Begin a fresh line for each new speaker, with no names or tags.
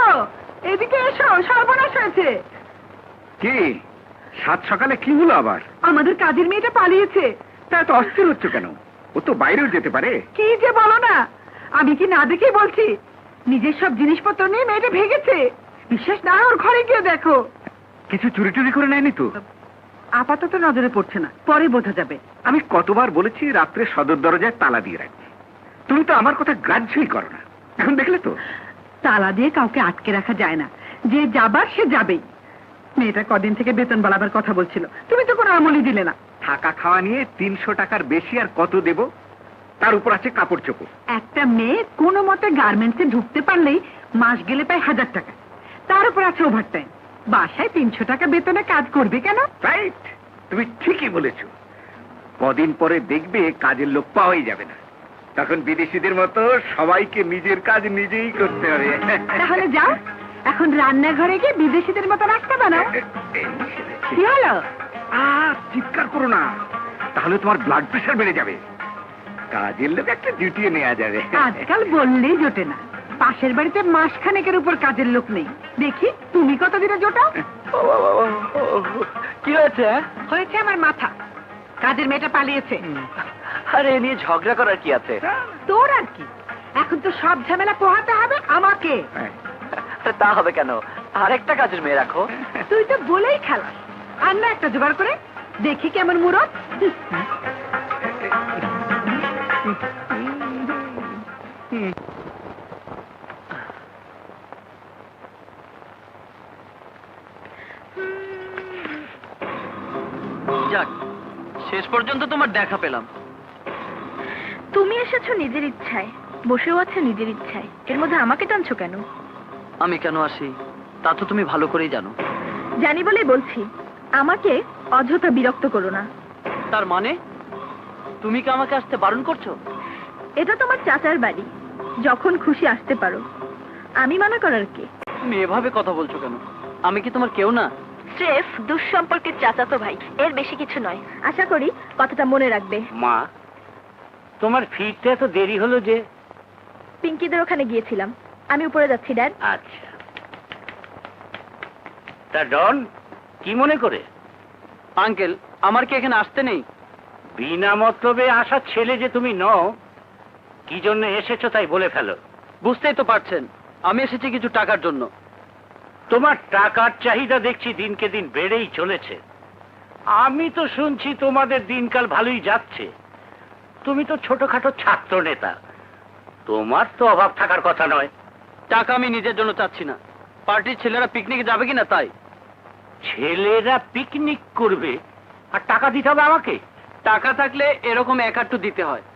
গো, এদিকে এসো, সর্বনাশ হয়েছে।
কি সাত সকালে কি হলো আবার?
আমাদের কাজের মেয়েটা পালিয়েছে।
তা এত অস্থির হচ্ছে কেন? ও তো বাইরেও যেতে পারে।
কি যে বলো না, আমি কি না দেখেই বলছি। নিজের সব জিনিসপত্র নিয়ে মেয়েটা ভেগেছে। বিশ্বাস না হয় ওর ঘরে গিয়ে দেখো।
কিছু চুরি টুরি করে নেয়নি তো?
আপাতত নজরে পড়ছে না, পরে বোঝা যাবে।
আমি কতবার বলেছি রাত্রে সদর দরজায় তালা দিয়ে রাখবে। তুমি তো আমার কথা গ্রাহ্যই করো না। এখন দেখলে তো।
তালা দিয়ে কাউকে আটকে রাখা যায় না, যে যাবার সে যাবেই। মেয়েটা কদিন থেকে বেতন বাড়াবার কথা বলছিল, তুমি তো কোনো আমলই দিলে না।
থাকা খাওয়া নিয়ে 300 টাকার বেশি আর কত দেব? তার উপর আছে কাপড় চোপড়।
একটা মেয়ে কোনো মতে গার্মেন্টসে ঢুকতে পারলেই মাস গেলে পায় 1000 টাকা, তার উপর আছে ওভারটাইম। বাসায় 300 টাকা বেতনে কাজ করবে কেন?
রাইট, তুমি ঠিকই বলেছো। কদিন পরে দেখবে কাজের লোক পাওয়াই যাবে না। তখন বিদেশিদের মতো সবাইকে নিজের কাজ নিজেই করতে হবে।
তাহলে যাও, এখন রান্নাঘরে গিয়ে বিদেশিদের মতো রাখতে বানাও। কি হলো?
চিৎকার করো না, তাহলে তোমার ব্লাড প্রেশার বেড়ে যাবে। কাজের লোক একটা ডিউটি নেওয়া যাবে।
আজকাল বললেই জোটে না। পাশের বাড়িতে মাসখানেকের উপর কাজের লোক নেই। দেখি তুমি কতদিনে জোটাও।
কি হয়েছে?
হয়েছে আমার মাথা। কাজের মেয়েটা পালিয়েছে।
আরে এ নিয়ে ঝগড়া করার কি আছে?
তোর আর কি, এখন তো সব ঝামেলা পোহাতে হবে আমাকে।
আরে তা হবে কেন? আরেকটা কাজের মেয়ে রাখো।
তুই তো বলেই খেলাস। আর না একটা জোগাড় করে দেখি কেমন মুরত।
যাক, শেষ পর্যন্ত তোমার দেখা পেলাম।
তুমি এসেছো নিজের ইচ্ছায়, বসেও আছো নিজের ইচ্ছায়, এর মধ্যে আমাকে টানছো কেন?
আমি কেন আসি তা তো তুমি ভালো করেই জানো।
জানি বলেই বলছি, আমাকে অযথা বিরক্ত করো না।
তার মানে তুমি কি আমাকে আসতে বারণ করছো?
এটা তোমার চাচার বাড়ি, যখন খুশি আসতে পারো। আমি মানা করার কে?
তুমি এভাবে কথা বলছো কেন? আমি কি তোমার কেউ না?
স্রেফ দুঃসম্পর্কের চাচাতো ভাই, এর বেশি কিছু নয়। আশা করি কথাটা মনে রাখবে।
মা, তোমার ফিরতে এত দেরি হলো যে?
পিঙ্কিদের ওখানে গিয়েছিলাম, আমি উপরে যাচ্ছি ড্যাড।
আচ্ছা, তা ডন কি মনে করে?
আঙ্কেল, আমার কি এখানে আসতে নেই?
বিনা মতলবে আসা ছেলে যে তুমি নও, কি জন্য এসেছো তাই বলে ফেলো।
বুঝতেই তো পারছেন, আমি এসেছি কিছু টাকার জন্য।
তোমার টাকার চাহিদা দেখছি দিনকে দিন বেড়েই চলেছে। আমি তো শুনছি তোমাদের দিনকাল ভালোই যাচ্ছে। তুমি তো ছোটখাটো ছাত্র নেতা, তোমার তো অভাব থাকার কথা নয়।
টাকা আমি নিজের জন্য চাচ্ছি না, পার্টির ছেলেরা পিকনিকে যাবে কিনা তাই।
ছেলেরা পিকনিক করবে আর টাকা দিতে হবে আমাকে?
টাকা থাকলে এরকম এক আধটু দিতে হয়।